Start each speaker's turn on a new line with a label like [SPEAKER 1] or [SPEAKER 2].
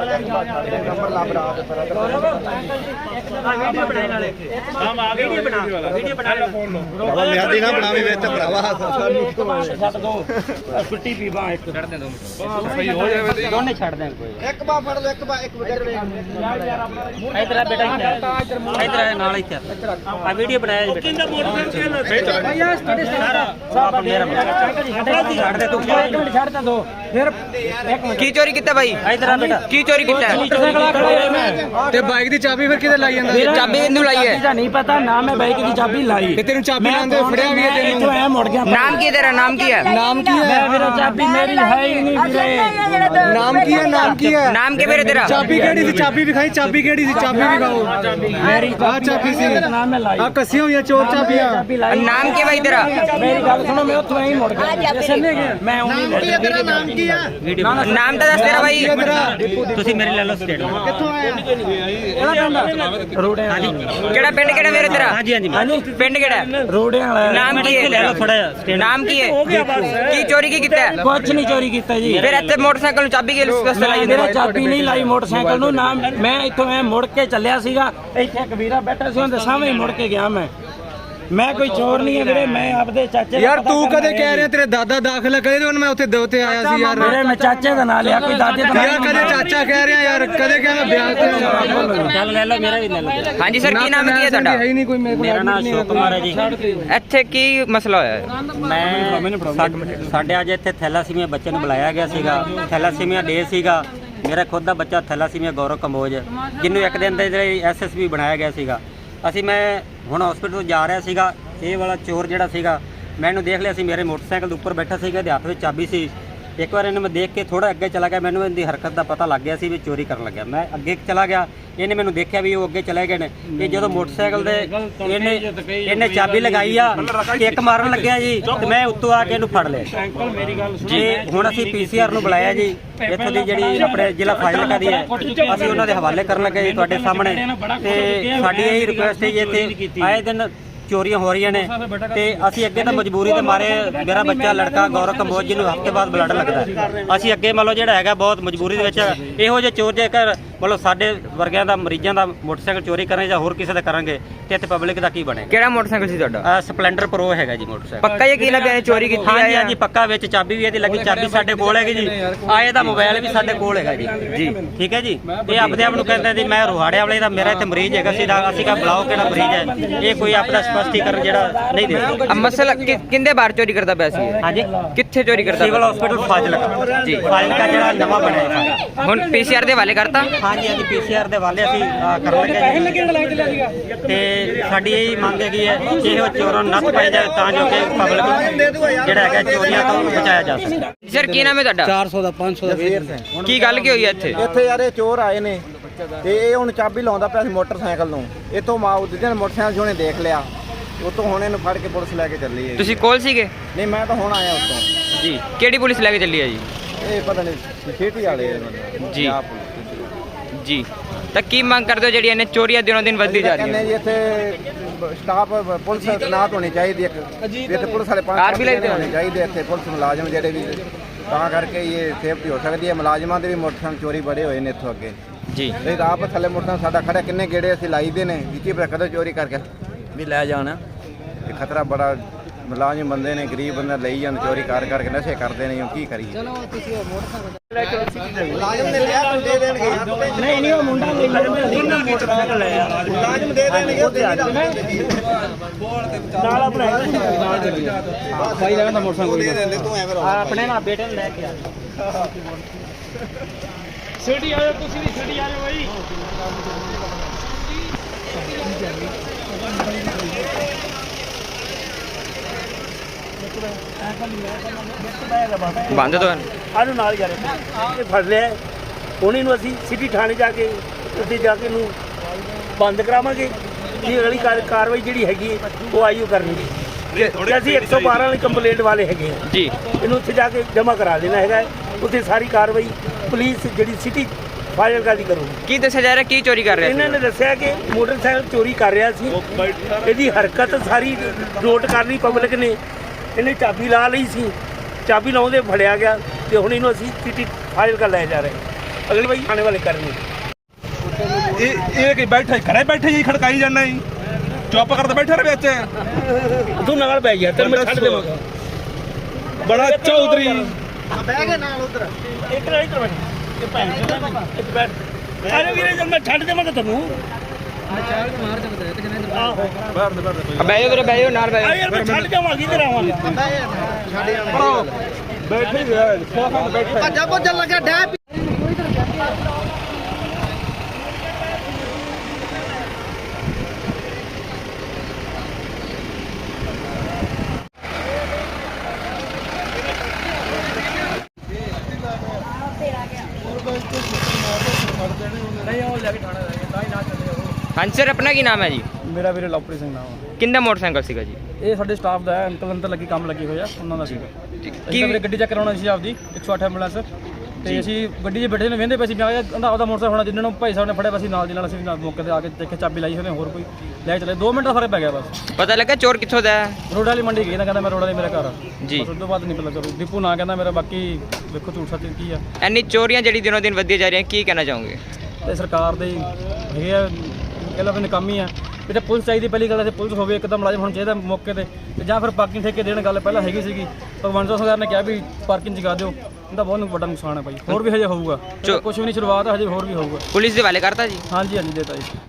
[SPEAKER 1] ਛੁੱਟੀ ਪੀ ਬਾਹ ਇੱਕ ਛੱਡ ਦੇ ਦੋ ਸਹੀ ਹੋ ਜਾਵੇ ਦੋਨੇ ਛੱਡ ਦੇ ਕੋਈ ਇੱਕ ਬਾਹ ਫੜ ਲੈ ਇੱਕ ਬਾਹ ਇਧਰ ਆ ਬੇਟਾ ਇਧਰ ਆ ਨਾਲ ਇੱਥੇ ਆ ਵੀਡੀਓ ਬਣਾਇਆ ਜੀ ਬੇਟਾ ਸਾਰਾ ਮੇਰਾ ਛੱਡ ਦੇ ਤੂੰ ਇੱਕ ਮਿੰਟ ਛੱਡ ਦੋ ਫਿਰ ਇੱਕ ਮਿੰਟ
[SPEAKER 2] ਕੀ ਚੋਰੀ ਕੀਤਾ ਭਾਈ
[SPEAKER 1] ਇਧਰ ਆ ਬੇਟਾ
[SPEAKER 2] ਕੀ ਚੋਰੀ ਕੀਤਾ
[SPEAKER 3] ਤੇ ਬਾਈਕ ਦੀ ਚਾਬੀ ਫਿਰ ਕਿਤੇ ਲਾਈ ਜਾਂਦਾ
[SPEAKER 2] ਚਾਬੀ ਇਹਨੂੰ ਲਾਈ ਹੈ
[SPEAKER 1] ਨਹੀਂ ਪਤਾ ਨਾ ਮੈਂ ਬਾਈਕ ਦੀ ਚਾਬੀ ਲਾਈ
[SPEAKER 3] ਤੇ ਤੈਨੂੰ ਚਾਬੀ ਲਾਉਂਦੇ ਫੜਿਆ ਵੀ ਹੈ ਤੈਨੂੰ
[SPEAKER 1] ਐ ਮੁੜ ਗਿਆ
[SPEAKER 2] ਨਾਮ ਕੀ ਤੇਰਾ ਨਾਮ ਕੀ ਹੈ
[SPEAKER 3] ਨਾਮ ਕੀ ਹੈ
[SPEAKER 1] ਮੈਂ ਵੀਰੇ ਚਾਬੀ ਮੇਰੀ ਹੈ ਹੀ ਨਹੀਂ ਵੀਰੇ
[SPEAKER 3] ਨਾਮ ਕੀ ਹੈ ਨਾਮ ਕੀ ਹੈ
[SPEAKER 2] ਨਾਮ ਕੀ ਵੀਰੇ ਤੇਰਾ
[SPEAKER 3] ਚਾਬੀ ਕਿਹੜੀ ਸੀ ਚਾਬੀ ਵਿਖਾਈ ਚਾਬੀ ਕਿਹੜੀ ਸੀ ਚਾਬੀ ਵਿਖਾਓ
[SPEAKER 1] ਮੇਰੀ
[SPEAKER 3] ਆ ਚਾਬੀ ਸੀ
[SPEAKER 1] ਨਾਮ ਮੈਂ ਲਾਈ
[SPEAKER 3] ਆ ਕੱਸੀਆਂ ਹੋਈਆਂ ਚੋਰ ਚਾਬੀਆਂ
[SPEAKER 2] ਨਾਮ ਕੀ ਭਾਈ ਤੇਰਾ
[SPEAKER 1] ਮੇਰੀ ਗੱਲ ਸੁਣੋ ਮੈਂ ਉੱਥੋਂ ਐਂ ਮੁੜ ਗਿਆ ਮੈਂ ਉਹ ਨਹੀਂ ਮੁੜ ਗਿਆ
[SPEAKER 3] ਤੇਰਾ ਨਾਮ ਕੀ ਹੈ
[SPEAKER 2] ਨਾਮ ਤਾਂ ਦੱਸ ਤੇਰਾ ਭਾਈ
[SPEAKER 1] ਤੁਸੀਂ ਮੇਰੇ ਲੈ ਲਓ ਸਟੇਟਮੈਂਟ
[SPEAKER 3] ਕਿੱਥੋਂ ਆਇਆ
[SPEAKER 1] ਰੋੜਿਆਂ ਹਾਂਜੀ
[SPEAKER 2] ਕਿਹੜਾ ਪਿੰਡ ਕਿਹੜਾ ਵੀਰੇ ਤੇਰਾ
[SPEAKER 1] ਹਾਂਜੀ ਹਾਂਜੀ
[SPEAKER 2] ਪਿੰਡ ਕਿਹੜਾ
[SPEAKER 1] ਰੋੜਿਆਂ ਵਾਲਾ
[SPEAKER 2] ਨਾਮ ਕੀ ਹੈ
[SPEAKER 1] ਲੈ ਲਓ ਥੋੜਾ ਜਿਹਾ
[SPEAKER 2] ਨਾਮ ਕੀ ਹੈ ਕੀ ਚੋਰੀ ਕੀ ਕੀਤਾ ਹੈ?
[SPEAKER 1] ਕੁਝ ਨਹੀਂ ਚੋਰੀ ਕੀਤਾ ਜੀ
[SPEAKER 2] ਫਿਰ ਇੱਥੇ ਮੋਟਰਸਾਈਕਲ ਨੂੰ ਚਾਬੀ ਕਿਸ ਵਾਸਤੇ ਲਾਈ
[SPEAKER 1] ਮੇਰਾ ਚਾਬੀ ਨਹੀਂ ਲਾਈ ਮੋਟਰਸਾਈਕਲ ਨੂੰ ਨਾ ਮੈਂ ਇੱਥੋਂ ਐ ਮੁੜ ਕੇ ਚੱਲਿਆ ਸੀਗਾ ਇੱਥੇ ਇੱਕ ਵੀਰਾ ਬੈਠਾ ਸੀ ਉਹਦੇ ਸਾਹਮਣੇ ਮੁੜ ਕੇ ਗਿਆ ਮੈਂ ਕੋਈ ਚੋਰ ਨਹੀਂ ਹੈ ਵੀਰੇ ਮੈਂ ਆਪਦੇ ਚਾਚੇ
[SPEAKER 3] ਯਾਰ ਤੂੰ ਕਦੇ ਕਹਿ ਰਿਹਾ ਤੇਰੇ ਦਾਦਾ ਦਾਖਲਾ ਕਰੇ ਤੇ ਮੈਂ ਉੱਥੇ ਦੋਤੇ ਆਇਆ ਸੀ ਯਾਰ
[SPEAKER 1] ਵੀਰੇ ਮੈਂ ਚਾਚੇ ਦਾ ਨਾਂ ਲਿਆ ਕੋਈ ਦਾਦੇ ਦਾ
[SPEAKER 3] ਯਾਰ ਕਦੇ ਚਾਚਾ ਕਹਿ ਰਿਹਾ ਯਾਰ ਕਦੇ ਕਹਿ ਮੈਂ ਵਿਆਹ ਤੇ
[SPEAKER 1] ਚੱਲ ਲੈ ਲਓ ਮੇਰਾ ਵੀ ਲੈ ਲਓ
[SPEAKER 2] ਹਾਂਜੀ ਸਰ ਕੀ ਨਾਮ ਕੀ ਹੈ ਤੁਹਾਡਾ
[SPEAKER 3] ਹੈ ਹੀ ਨਹੀਂ ਕੋਈ ਮੇਰੇ ਕੋਲ
[SPEAKER 1] ਮੇਰਾ ਨਾਮ ਅਸ਼ੋਕ ਕੁਮਾਰ ਹੈ ਜੀ
[SPEAKER 2] ਇੱਥੇ ਕੀ ਮਸਲਾ ਹੋਇਆ ਹੈ?
[SPEAKER 1] ਮੈਂ ਸਾਡੇ ਅੱਜ ਇੱਥੇ ਥੈਲਾਸੀਮੀਆ ਬੱਚੇ ਨੂੰ ਬੁਲਾਇਆ ਗਿਆ ਸੀਗਾ ਥੈਲਾਸੀਮੀਆ ਡੇ ਸੀਗਾ ਮੇਰਾ ਖੁਦ ਦਾ ਬੱਚਾ ਥੈਲਾਸੀਮੀਆ ਗੌਰਵ ਕੰਬੋਜ ਜਿਹਨੂੰ ਇੱਕ ਦਿਨ ਦੇ ਜਿਹੜੇ ਐਸਐਸਪੀ ਬਣਾਇਆ ਗਿਆ ਸੀਗਾ ਮੈਂ ਹੁਣ ਹਸਪੀਟਲ ਤੋਂ ਜਾ ਰਿਹਾ ਸੀਗਾ ਇਹ ਵਾਲਾ ਚੋਰ ਜਿਹੜਾ ਸੀਗਾ ਮੈਨੂੰ ਦੇਖ ਲਿਆ ਸੀ ਮੇਰੇ ਮੋਟਰਸਾਈਕਲ ਦੇ ਉੱਪਰ ਬੈਠਾ ਸੀਗਾ ਇਹਦੇ ਹੱਥ ਵਿੱਚ ਚਾਬੀ ਸੀ ਇੱਕ ਵਾਰ ਇਹਨੇ ਮੈਂ ਦੇਖ ਕੇ ਥੋੜਾ ਅੱਗੇ ਚਲਾ ਗਿਆ ਮੈਨੂੰ ਇਹਦੀ ਹਰਕਤ ਦਾ ਪਤਾ ਲੱਗ ਗਿਆ ਸੀ ਵੀ ਚੋਰੀ ਕਰਨ ਲੱਗਿਆ ਮੈਂ ਅੱਗੇ ਚਲਾ ਗਿਆ ਇਹਨੇ ਮੈਨੂੰ ਦੇਖਿਆ ਵੀ ਉਹ ਅੱਗੇ ਚਲੇ ਗਏ ਨੇ ਇਹ ਜਦੋਂ ਮੋਟਰਸਾਈਕਲ ਦੇ ਇਹਨੇ ਚਾਬੀ ਲਗਾਈ ਆ ਕਿੱਕ ਮਾਰਨ ਲੱਗਿਆ ਜੀ ਤੇ ਮੈਂ ਉੱਤੋਂ ਆ ਕੇ ਇਹਨੂੰ ਫੜ ਲਿਆ ਜੀ ਹੁਣ ਅਸੀਂ ਪੀਸੀਆਰ ਨੂੰ ਬੁਲਾਇਆ ਜੀ ਇੱਥੋਂ ਦੀ ਜਿਹੜੀ ਆਪਣੇ ਜ਼ਿਲ੍ਹਾ ਫਾਜ਼ਿਲਕਾ ਦੀ ਹੈ ਅਸੀਂ ਉਹਨਾਂ ਦੇ ਹਵਾਲੇ ਕਰਨ ਲੱਗੇ ਜੀ ਤੁਹਾਡੇ ਸਾਹਮਣੇ ਤੇ ਸਾਡੀ ਇਹ ਰਿਕੁਐਸਟ ਹੈ ਜੀ ਇੱਥੇ ਆਏ ਦਿਨ ਚੋਰੀਆਂ ਹੋ ਰਹੀਆਂ ਨੇ ਤੇ ਅਸੀਂ ਅੱਗੇ ਤਾਂ ਮਜਬੂਰੀ ਦੇ ਮਾਰੇ ਮੇਰਾ ਬੱਚਾ ਲੜਕਾ ਗੌਰਵ ਕੰਬੋਜ ਜਿਹਨੂੰ ਹਫ਼ਤੇ ਬਾਅਦ ਬਲੱਡ ਲੱਗਦਾ ਅਸੀਂ ਅੱਗੇ ਮੰਨ ਲਓ ਜਿਹੜਾ ਹੈਗਾ ਬਹੁਤ ਮਜਬੂਰੀ ਦੇ ਵਿੱਚ ਇਹੋ ਜਿਹੇ ਚੋਰ ਜੇਕਰ ਮਤਲਬ ਸਾਡੇ ਵਰਗਿਆਂ ਦਾ ਮਰੀਜ਼ਾਂ ਦਾ ਮੋਟਰਸਾਈਕਲ ਚੋਰੀ ਕਰਾਂਗੇ ਜਾਂ ਹੋਰ ਕਿਸੇ ਦਾ ਕਰਾਂਗੇ ਤੇ ਇੱਥੇ ਪਬਲਿਕ ਦਾ ਕੀ ਬਣੇਗਾ
[SPEAKER 2] ਕਿਹੜਾ ਮੋਟਰਸਾਈਕਲ ਸੀ ਤੁਹਾਡਾ
[SPEAKER 1] ਸਪਲੈਂਡਰ ਪ੍ਰੋ ਹੈਗਾ ਜੀ ਮੋਟਰਸਾਈਕਲ
[SPEAKER 2] ਪੱਕਾ ਯਕੀਨ ਹੈ ਕਿ ਚੋਰੀ ਕੀਤੀ
[SPEAKER 1] ਹਾਂਜੀ
[SPEAKER 2] ਹੈ
[SPEAKER 1] ਹਾਂਜੀ ਪੱਕਾ ਵਿੱਚ ਚਾਬੀ ਵੀ ਇਹਦੀ ਲੱਗੀ ਚਾਬੀ ਸਾਡੇ ਕੋਲ ਹੈਗੀ ਜੀ ਆਏ ਦਾ ਮੋਬਾਈਲ ਵੀ ਸਾਡੇ ਕੋਲ ਹੈਗਾ ਜੀ ਜੀ ਠੀਕ ਹੈ ਜੀ ਇਹ ਆਪਦੇ ਆਪ ਨੂੰ ਕਹਿੰਦੇ ਜੀ ਮੈਂ ਰੋਹਾੜੇ ਵਾਲੇ ਦਾ ਮੇਰਾ ਇੱਥੇ ਮਰੀਜ਼ ਹੈਗਾ ਸੀ ਅਸੀਂ ਕਾ ਬੁਲਾਓ ਕਿਹੜਾ ਮਰੀਜ਼ ਹੈ ਇਹ ਕੋਈ ਆਪਦਾ ਸਪਸ਼ਟੀਕਰਨ ਜਿਹੜਾ ਨਹੀਂ ਦੇ
[SPEAKER 2] ਮਸਲਾ ਕਿੰਦੇ ਬਾਹਰ ਚੋਰੀ ਕਰਦਾ ਪਿਆ ਸੀ
[SPEAKER 1] ਹਾਂਜੀ
[SPEAKER 2] ਕਿੱਥੇ ਚੋਰੀ ਕਰਦਾ
[SPEAKER 1] ਸਿਵਲ ਹਸਪੀਟਲ ਫਾਜ਼ਿਲਕਾ ਜੀ ਫਾਜ਼ਿਲਕਾ ਜਿਹੜਾ ਨਵਾਂ ਬਣਿਆ ਹੈ
[SPEAKER 2] ਹੁਣ ਪੀਸੀਆਰ ਦੇ ਹਵਾਲੇ ਕਰਤਾ
[SPEAKER 1] ਹਾਂਜੀ ਹਾਂਜੀ ਪੀਸੀਆਰ ਦੇ ਵਾਲੇ ਅਸੀਂ ਕਰਨ ਲੱਗੇ ਤੇ ਸਾਡੀ ਇਹ ਮੰਗ ਹੈਗੀ ਹੈ ਕਿ ਇਹ ਚੋਰਾਂ ਨੂੰ ਨੱਥ ਪਾਈ ਜਾਵੇ ਤਾਂ ਜੋ ਕਿ ਪਬਲਿਕ ਜਿਹੜਾ ਹੈਗਾ ਚੋਰੀਆਂ ਤੋਂ ਬਚਾਇਆ ਜਾ ਸਕੇ
[SPEAKER 2] ਸਰ ਕੀ ਨਾਮ ਹੈ ਤੁਹਾਡਾ
[SPEAKER 3] 400 ਦਾ 500 ਦਾ
[SPEAKER 2] ਕੀ ਗੱਲ ਕੀ ਹੋਈ ਹੈ ਇੱਥੇ
[SPEAKER 4] ਇੱਥੇ ਯਾਰ ਇਹ ਚੋਰ ਆਏ ਨੇ ਤੇ ਇਹ ਹੁਣ ਚਾਬੀ ਲਾਉਂਦਾ ਪਿਆ ਸੀ ਮੋਟਰਸਾਈਕਲ ਨੂੰ ਇਤੋਂ ਦੂਜੇ ਨੇ ਮੋਟਰਸਾਈਕਲ ਜਿਹਨੇ ਦੇਖ ਲਿਆ ਉਤੋਂ ਹੁਣ ਇਹਨੂੰ ਫੜ ਕੇ ਪੁਲਿਸ ਲੈ ਕੇ ਚੱਲੀ ਹੈ
[SPEAKER 2] ਤੁਸੀਂ ਕੋਲ ਸੀਗੇ
[SPEAKER 4] ਨਹੀਂ ਮੈਂ ਤਾਂ ਹੁਣ ਆਇਆ ਉੱਤੋਂ
[SPEAKER 2] ਜੀ ਕਿਹੜੀ ਪੁਲਿਸ ਲੈ ਕੇ ਚੱਲੀ ਹੈ ਜੀ
[SPEAKER 4] ਇਹ ਪਤਾ ਨਹੀਂ ਖੇਤੀ ਵਾਲੇ
[SPEAKER 2] ਜੀ ਜੀ ਤਾਂ ਕੀ ਮੰਗ ਕਰਦੇ ਹੋ ਜਿਹੜੀ ਇਹਨੇ ਚੋਰੀਆਂ ਦਿਨੋਂ ਦਿਨ ਵੱਧਦੀ ਜਾ ਰਹੀਆਂ
[SPEAKER 4] ਕਹਿੰਦੇ ਜੀ ਇੱਥੇ ਸਟਾਫ ਪੁਲਿਸ ਤੈਨਾਤ ਹੋਣੀ ਚਾਹੀਦੀ ਹੈ ਇੱਥੇ ਪੁਲਿਸ ਵਾਲੇ 5 ਹੋਣੇ ਚਾਹੀਦੇ ਇੱਥੇ ਪੁਲਿਸ ਮੁਲਾਜ਼ਮ ਜਿਹੜੇ ਵੀ ਤਾਂ ਕਰਕੇ ਇਹ ਸੇਫਟੀ ਹੋ ਸਕਦੀ ਹੈ ਮੁਲਾਜ਼ਮਾਂ ਦੇ ਵੀ ਮੋਟਰਸਾਈਕਲ ਚੋਰੀ ਬੜੇ ਹੋਏ ਨੇ ਇੱਥੋਂ ਅੱਗੇ
[SPEAKER 2] ਜੀ
[SPEAKER 4] ਇਹ ਆਪ ਥੱਲੇ ਮੋਟਰਸਾਈਕਲ ਸਾਡਾ ਖੜਾ ਕਿੰਨੇ ਗੇੜੇ ਅਸੀਂ ਲਾਈ ਦੇ ਨੇ ਕੀ ਪਤਾ ਕਦੋਂ ਚੋਰੀ ਕਰਕੇ ਵੀ ਲੈ ਜਾਣਾ ਇਹ ਖਤਰਾ ਬੜਾ ਮੁਲਾਜ਼ਮ ਬੰਦੇ ਨੇ ਗਰੀਬ ਬੰਦੇ ਲਈ ਜਾਂਦੇ ਚੋਰੀ ਕਰਕੇ ਨਸ਼ੇ ਕਰਦੇ ਨੇ ਕੀ ਕਰੀਏ ਚਲੋ ਤੁਸੀਂ ਮੁਲਾਜ਼ਮ ਨੇ ਲਿਆ ਤੂੰ ਦੇ ਦੇਣਗੇ
[SPEAKER 1] ਨਹੀਂ ਉਹ ਮੁੰਡਾ ਲੈ ਲਿਆ ਮੋਟਰਸਾਈਕਲ ਲੈ ਆ
[SPEAKER 4] ਮੁਲਾਜ਼ਮ ਦੇ ਦੇਣਗੇ ਉਹ
[SPEAKER 1] ਨਾਲ ਆਪਣਾ
[SPEAKER 3] ਭਾਈ ਲੈਣਾ ਮੋਟਰਸਾਈਕਲ
[SPEAKER 4] ਦੇ ਦਿੰਦੇ ਤੂੰ ਐਵੇਂ
[SPEAKER 1] ਆਪਣੇ ਨਾਲ ਬੇਟੇ ਨੂੰ ਲੈ ਕੇ ਆ ਸਿਟੀ ਆ ਜਾਓ ਤੁਸੀਂ ਵੀ ਸਿਟੀ ਆ ਜਾਓ ਬਾਈ
[SPEAKER 2] ਬੰਦ ਤੋਂ
[SPEAKER 1] ਆਨੂੰ ਨਾਲ ਜਾ ਰਹੇ ਇਹ ਫੜ ਲਿਆ ਉਹਨੇ ਨੂੰ ਅਸੀਂ ਸਿਟੀ ਥਾਣੇ ਜਾ ਕੇ ਉੱਥੇ ਜਾ ਕੇ ਇਹਨੂੰ ਬੰਦ ਕਰਾਵਾਂਗੇ ਇਹ ਅਗਲੀ ਕਾਰਵਾਈ ਜਿਹੜੀ ਹੈਗੀ ਉਹ ਆਈਓ ਕਰਨੀ ਤੇ ਅਸੀਂ 112 ਵਾਲੀ ਕੰਪਲੇਂਟ ਵਾਲੇ ਹੈਗੇ ਆ
[SPEAKER 2] ਜੀ
[SPEAKER 1] ਇਹਨੂੰ ਉੱਥੇ ਜਾ ਕੇ ਜਮ੍ਹਾਂ ਕਰਾ ਦੇਣਾ ਹੈਗਾ ਉੱਥੇ ਸਾਰੀ ਕਾਰਵਾਈ ਪੁਲਿਸ ਜਿਹੜੀ ਸਿਟੀ ਫਾਜ਼ਿਲਕਾ ਦੀ ਕਰੂਗੀ
[SPEAKER 2] ਕੀ ਦੱਸਿਆ ਜਾ ਰਿਹਾ ਕੀ ਚੋਰੀ ਕਰ ਰਿਹਾ
[SPEAKER 1] ਇਹਨਾਂ ਨੇ ਦੱਸਿਆ ਕਿ ਮੋਟਰਸਾਈਕਲ ਚੋਰੀ ਕਰ ਰਿਹਾ ਸੀ ਇਹਦੀ ਹਰਕਤ ਸਾਰੀ ਨੋਟ ਕਰ ਲਈ ਪਬਲਿਕ ਨੇ ਇਹਨੇ ਚਾਬੀ ਲਾ ਲਈ ਸੀ ਚਾਬੀ ਲਾਉਂਦੇ ਫੜਿਆ ਗਿਆ ਤੇ ਹੁਣ ਇਹਨੂੰ ਅਸੀਂ ਸਿਟੀ ਫਾਜ਼ਿਲਕਾ ਲੈ ਜਾ ਰਹੇ
[SPEAKER 5] ਅਗਲੀ ਵਾਰੀ ਆਣੇ ਵਾਲੇ ਕਰਨੀ ਇਹ ਕਿ ਬੈਠਾ ਘਰੇ ਬੈਠੇ ਜੀ ਖੜਕਾਈ ਜਾਂਦਾ ਜੀ ਚੁੱਪ ਕਰਦੇ ਬੈਠੇ ਰਹੇ ਵਿੱਚ ਤੂੰ ਨਾਲ ਬੈ ਗਿਆ ਤੈਨੂੰ ਮੈਂ ਛੱਡ ਦੇਵਾਂਗਾ ਬੜਾ ਚੌਧਰੀ ਬਹਿ ਕੇ ਨਾਲ ਉਧਰ ਇੱਕ ਨਾਲ ਇੱਧਰ ਬੈਠ ਇਹ ਭੈਣ ਇੱਕ ਬੈਠ ਅਰੇ ਵੀਰੇ ਜਦ ਮੈਂ ਛੱਡ ਦੇਵਾਂਗਾ ਤੈਨੂੰ
[SPEAKER 2] ਬਹਿ ਜਾਓ ਵੀਰੇ, ਬਹਿ ਜਾਓ, ਨਾਲ ਬਹਿ ਜਾਓ।
[SPEAKER 5] ਯਾਰ ਮੈਂ ਛੱਡ ਜਾਵਾਂਗੀ ਤੇ ਆਵਾਂਗਾ ਬੈਠੇ ਹੀ ਰਿਹਾ ਸੋਫਾ ਤੇ ਬੈਠਾ ਭੱਜਾ ਭੱਜਣ ਲੱਗਾ ਡੈ
[SPEAKER 2] ਹਾਂਜੀ ਸਰ, ਆਪਣਾ ਕੀ ਨਾਮ ਹੈ ਜੀ?
[SPEAKER 6] ਮੇਰਾ ਵੀਰੇ ਲਵਪ੍ਰੀਤ ਸਿੰਘ ਨਾਮ ਆ।
[SPEAKER 2] ਕਿੰਨਾ ਮੋਟਰਸਾਈਕਲ ਸੀਗਾ ਜੀ?
[SPEAKER 6] ਇਹ ਸਾਡੇ ਸਟਾਫ ਦਾ ਹੈ, ਅੰਕਲ ਅੰਦਰ ਲੱਗੀ ਕੰਮ ਲੱਗੀ ਹੋਇਆ ਉਹਨਾਂ ਦਾ ਸੀਗਾ।
[SPEAKER 2] ਕੀ
[SPEAKER 6] ਅਸੀਂ ਤਾਂ ਵੀਰੇ ਗੱਡੀ ਚੈੱਕ ਕਰਾਉਣਾ ਸੀ ਆਪਦੀ 108 ਐਂਬੂਲੈਂਸ ਤੇ ਅਸੀਂ ਗੱਡੀ 'ਚ ਬੈਠੇ ਨੇ ਵੇਂਦੇ ਪਏ ਸੀ ਮੈਂ ਕਹਿੰਦਾ ਆਪਦਾ ਮੋਟਰਸਾਈਕਲ ਹੋਣਾ ਜਿੰਨਾਂ ਨੂੰ ਭਾਈ ਸਾਹਿਬ ਨੇ ਫੜਿਆ ਅਸੀਂ ਨਾਲ ਦੀ ਨਾਲ ਅਸੀਂ ਨਾਲ ਮੌਕੇ ਤੇ ਆ ਕੇ ਦੇਖੇ ਚਾਬੀ ਲਾਈ ਹੋਣੇ ਹੋਰ ਕੋਈ ਲੈ ਚਲੇ 2 ਮਿੰਟ ਦਾ ਫਰਕ ਪੈ ਗਿਆ ਬਸ।
[SPEAKER 2] ਪਤਾ ਲੱਗਾ ਚੋਰ ਕਿੱਥੋਂ ਦਾ ਹੈ?
[SPEAKER 6] ਰੋਡ ਵਾਲੀ ਮੰਡੀ ਗਈ ਨਾ ਕਹਿੰਦਾ ਮੈਂ ਰੋਡ ਵਾਲੀ ਮੇਰਾ ਘਰ ਆ
[SPEAKER 2] ਜੀ।
[SPEAKER 6] ਬਸ ਉਸ ਤੋਂ ਬਾਅਦ ਨਹੀਂ ਪਤਾ ਕਰੂ ਦੀਪੂ ਨਾ ਕਹਿੰਦਾ ਮੇਰਾ ਬਾਕੀ ਵੇਖੋ ਝੂਠ ਸੱਚ ਕੀ ਆ।
[SPEAKER 2] ਇੰਨੀ ਚੋਰੀਆਂ ਜਿਹੜੀ ਦਿਨੋਂ ਦਿਨ ਵੱਧਦੀਆਂ ਜਾ ਰਹੀਆਂ, ਕੀ ਕਹਿਣਾ ਚਾਹੋਗੇ?
[SPEAKER 6] ਤੇ ਸਰਕਾਰ ਦੇ ਹੈਗੇ ਆ ਕਹਿੰਦਾ ਆਪਣੇ ਕੰਮ ਹੀ ਆ ਤੇ ਪੁਲਿਸ ਚਾਹੀਦੀ ਪਹਿਲੀ ਗੱਲ ਤੇ ਪੁਲਿਸ ਹੋਵੇ ਇੱਕਦਮ ਮੁਲਾਜ਼ਮ ਹੋਣਾ ਚਾਹੀਦਾ ਮੌਕੇ ਤੇ ਜਾਂ ਫਿਰ ਪਾਰਕਿੰਗ ਠੇਕੇ ਦੇਣ ਗੱਲ ਪਹਿਲਾਂ ਹੈਗੀ ਸੀਗੀ ਭਗਵੰਤ ਸਿੰਘ ਸਰਕਾਰ ਨੇ ਕਿਹਾ ਵੀ ਪਾਰਕਿੰਗ ਜਗਾ ਦਿਓ ਇਹਦਾ ਬਹੁਤ ਵੱਡਾ ਨੁਕਸਾਨ ਹੈ ਭਾਈ ਹੋਰ ਵੀ ਹਜੇ ਹੋਊਗਾ ਕੁਝ ਵੀ ਨਹੀਂ ਸ਼ੁਰੂਆਤ ਹੈ ਹਜੇ ਹੋਰ ਵੀ ਹੋਊਗਾ।
[SPEAKER 2] ਪੁਲਿਸ ਦੇ ਹਵਾਲੇ ਕਰਤਾ ਜੀ?
[SPEAKER 6] ਹਾਂਜੀ ਹਾਂਜੀ ਦੇਤਾ ਜੀ।